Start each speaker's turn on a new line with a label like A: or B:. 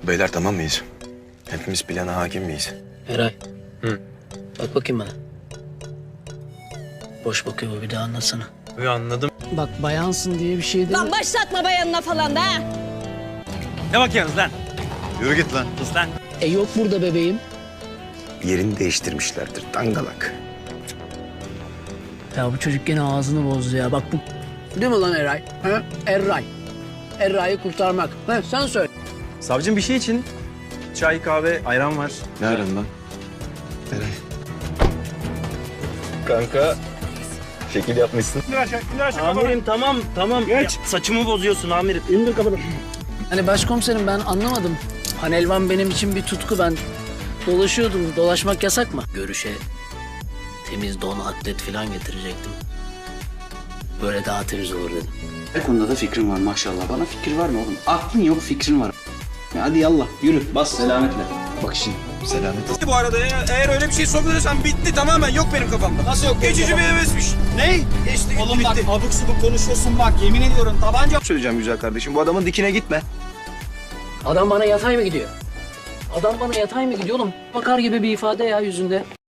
A: Beyler tamam mıyız? Hepimiz plana hakim miyiz?
B: Eray. Bak bakayım bana. Boş bakıyor bu, bir daha anlatsana.
C: Anladım.
B: Bak bayansın diye bir şey değil.
D: Lan başlatma bayanına falan da ha.
C: Ne bakıyorsunuz lan?
E: Yürü git lan.
C: Sus lan.
B: Yok burada bebeğim.
A: Yerini değiştirmişlerdir dangalak.
B: Ya bu çocuk gene ağzını bozdu ya. Bak bu... Değil mi lan Eray? Ha? Eray. Eray'ı kurtarmak. Ha, sen söyle.
C: Savcım bir şey için çay, kahve, ayran var.
A: Ne aran lan? Eray.
E: Kanka şekil yapmışsın.
C: Amirim tamam. Geç. Saçımı bozuyorsun amirim. İndir kafanı.
B: Hani başkomiserim ben anlamadım. Panelvan benim için bir tutku, ben dolaşıyordum. Dolaşmak yasak mı? Görüşe temiz don, atlet falan getirecektim. Böyle daha temiz olur dedim.
F: Her konuda da fikrin var maşallah. Bana fikir var mı oğlum? Aklın yok, fikrin var. Ya hadi yallah yürü, bas selametle.
A: Bak şimdi selamet.
G: Bu arada eğer öyle bir şey sorguluyorsan bitti tamamen, yok benim kafamda. Nasıl yok? Geçici bir hevesmiş. Ne? Geçti gitti,
F: Oğlum
G: bitti.
F: bak abuk subuk konuşuyorsun bak, yemin ediyorum tabanca...
A: Söyleyeceğim güzel kardeşim, bu adamın dikine gitme.
B: Adam bana yatay mı gidiyor? Adam bana yatay mı gidiyor oğlum? Bakar gibi bir ifade ya yüzünde.